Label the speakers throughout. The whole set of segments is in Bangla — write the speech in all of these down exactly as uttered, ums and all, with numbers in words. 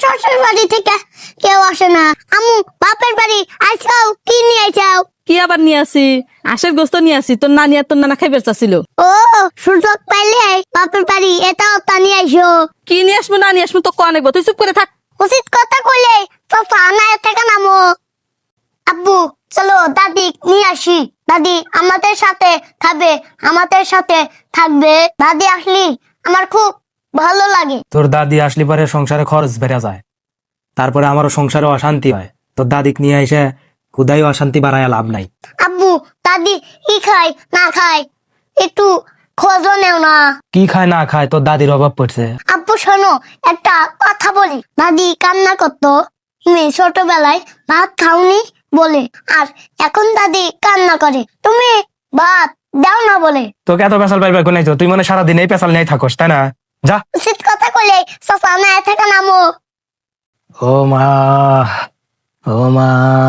Speaker 1: শ্বশুর বাড়ি থেকে কেউ আসে না। আম্মু বাপের বাড়ি আইসাও, কি নিয়ে আইসাও?
Speaker 2: কি আবার নিয়ে আসি? আশের গোস্ত নিয়ে আসি, তোর নানি আর তোর নানা খাইবার চাচ্ছিল।
Speaker 1: ও সুযোগ পাইলে বাপের বাড়ি এটা ওটা নিয়ে আইসো।
Speaker 2: কি নিয়ে আসবো না নিয়ে আসবো তো কন আনবো, তুই চুপ করে থাক।
Speaker 1: উচিত কথা কইলে চাচা না থেকে নামো। আব্বু চলো দাদি নিয়ে আসি। দাদি আমাদের সাথে খাবে, আমাদের সাথে থাকবে। দাদি আসলি আমার খুব ভালো লাগে।
Speaker 3: তোর দাদি আসলি পরে সংসারে খরচ বেড়ে যায়, তারপরে আমারও সংসারে অশান্তি হয়। তোর দাদিক নিয়ে এসে খুদাই অশান্তি বাড়ায় লাভ নাই।
Speaker 1: আব্বু দাদি কি খায় না খায় একটু খোঁজও নেও না।
Speaker 3: কি খায় না খায় তোর দাদির অভাব পড়ছে।
Speaker 1: আব্বু শোনো একটা কথা বলি। দাদি কান্না করতো তুমি ছোটবেলায় ভাত খাওনি বলে, আর এখন দাদি কান্না করে তুমি ভাত দাও না বলে।
Speaker 3: তোকে এত পেশাল পাইবার কোন তুই মনে সারাদিন এই পেশাল নিয়ে থাকস, তাই না? যা।
Speaker 1: উচিত কথা কইলে চাচা না থেকে নামো।
Speaker 3: ও মা, ও মা,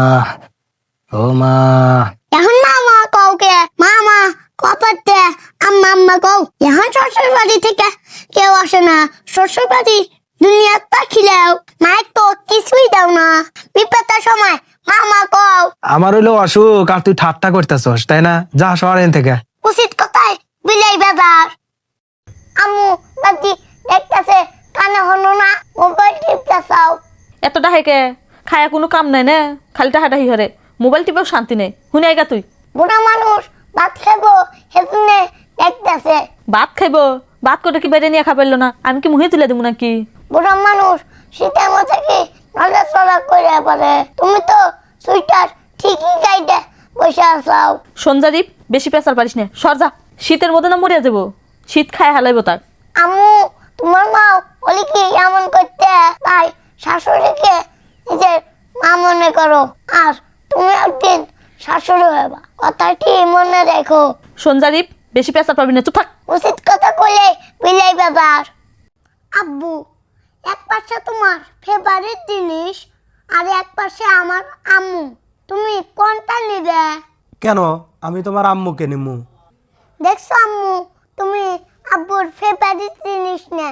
Speaker 3: ও মা।
Speaker 1: এখন মামা কও কে? মামা কপাতে আম্মা আম্মা কও। এখন শ্বশুর বাড়ি থেকে কেউ আসে না। শ্বশুর বাড়ি দুনিয়া তাকিলেও মায়ের তো কিছুই দাও না। বিপদের সময় মামা কও।
Speaker 3: আমার হইলো অসুখ আর তুই ঠাট্টা করতেছস, তাই না? যা শহরেন থেকে।
Speaker 1: উচিত কথায় বিলাই বাজার। আম্মু দাদি দেখতেছে কানে হলো না, মোবাইল টিপতেছাও।
Speaker 2: এত ডাহে কে? খায়া কোনো কাম নাই না, খালি টাহাটাহি হরে। মোবাইল টিপেও শান্তি নেই। শুনে আইগা তুই।
Speaker 1: বুড়া মানুষ ভাত খাবো সেজন্য দেখতেছে।
Speaker 2: ভাত খাইবো? ভাত করে কি বাইরে নিয়ে খাইলো না? আমি কি মুহে তুলে দেবো নাকি?
Speaker 1: বুড়া মানুষ শীতের মধ্যে কি নজর চলা করে পারে? তুমি তো সুইটার ঠিকই গাইডে বসে আসাও।
Speaker 2: সঞ্জাদীপ বেশি পেঁচাল পারিস না, সর যা। শীতের মধ্যে না মরিয়া যাবো, শীত খায় হালাইবো তাক।
Speaker 1: আম্মু তোমার মা বলি কি এমন করতে, তাই শাশুড়িকে নিজের মা মনে করো, আর তুমি একদিন শাশুড়ি হবা, কথাটি মনে রেখো।
Speaker 2: সঞ্জাদীপ বেশি পেঁচাল পারবি না, চুপ থাক।
Speaker 1: উচিত কথা কইলে বিলাই বাজার। আব্বু এক পাশে তোমার ফেভারিট জিনিস আর এক পাশে আমার আম্মু, তুমি কোনটা নিবে?
Speaker 3: কেন আমি তোমার আম্মুকে নিমু?
Speaker 1: দেখছো আম্মু তুমি আব্বুর ফেভারিট জিনিস নে।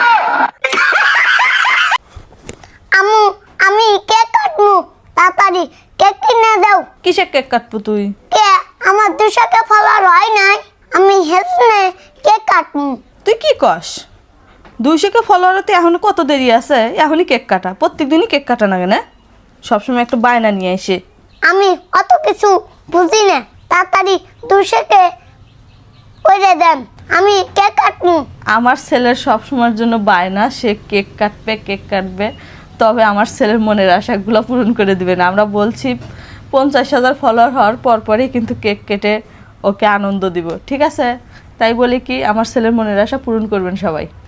Speaker 1: আম্মু আমি কেক কাটবো, তাড়াতাড়ি কেক কিনে দাও।
Speaker 2: কিসে কেক কাটবো তুই?
Speaker 1: কে আমার দুশোকে ফলার হয় নাই, আমি হেসনে কেক কাটবো।
Speaker 2: তুই কি কস? দুইশোকে ফলোয়ারতে এখনো কত দেরি আছে, এখনই কেক কাটা? প্রত্যেক দিনই কেক কাটা না কেন? সবসময় একটু বায়না নিয়ে এসে।
Speaker 1: আমি অত কিছু বুঝি না, তাড়াতাড়ি দুশোকে করে দেন, আমি কেক কাটবো।
Speaker 2: আমার ছেলের সবসময়ের জন্য বায়না, সে কেক কাটবে কেক কাটবে, তবে আমার ছেলের মনের আশাগুলো পূরণ করে দিবে না। আমরা বলছি পঞ্চাশ হাজার ফলোয়ার হওয়ার পরপরই কিন্তু কেক কেটে ওকে আনন্দ দিব, ঠিক আছে? তাই বলি কি আমার ছেলের মনের আশা পূরণ করবেন সবাই।